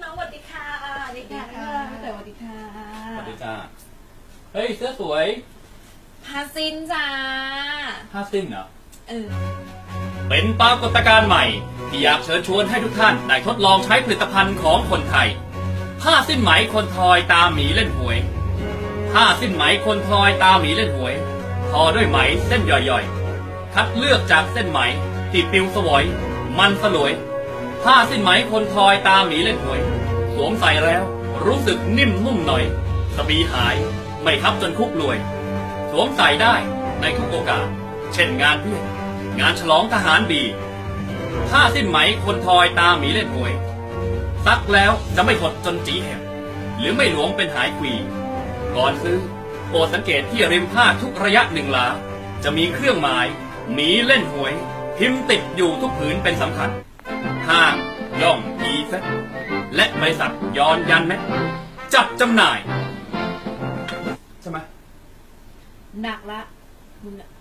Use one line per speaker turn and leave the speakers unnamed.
องสวัสดีค่ะสวัสดีค่ะพี่เต๋อสวัสดีค่ะ
สวัสดีจ้าเฮ้ยเสื้อสวย
พาซินจ้า
ผ้าสิ้นเหรอ
เป็นปรากฏการณ์ใหม่ที่อยากเชิญชวนให้ทุกท่านได้ทดลองใช้ผลิตภัณฑ์ของคนไทยผ้าสิ้นไหมคนทอยตาหมีเล่นหวยผ้าสิ้นไหมคนทอยตาหมีเล่นหวยทอด้วยไหมเส้นย่อยๆคัดเลือกจากเส้นไหมที่ปิวสวยมันสลวยผ้าสิ้นไหมคนทอยตาหมีเล่นหวยสวมใส่แล้วรู้สึกนิ่มนุ่มหน่อยสบีหายไม่ทับจนคุกรวยสวมใส่ได้ในทุกโอกาสเช่นงานเพื่อนงานฉลองทหารบีผ้าสิ้นไหมคนทอยตาหมีเล่นหวยซักแล้วจะไม่หดจนจีแหบหรือไม่หลวมเป็นหายควีก่อนซื้อโปรดสังเกตที่ริมผ้าทุกระยะหนึ่งหลาจะมีเครื่องหมายหมีเล่นหวยพิมพ์ติดอยู่ทุกผืนเป็นสำคัญห้างย่องอีเฟสและบริษัทย้อนยันแม็กจัดจำหน่ายใช่ไหม
หนักละคุณ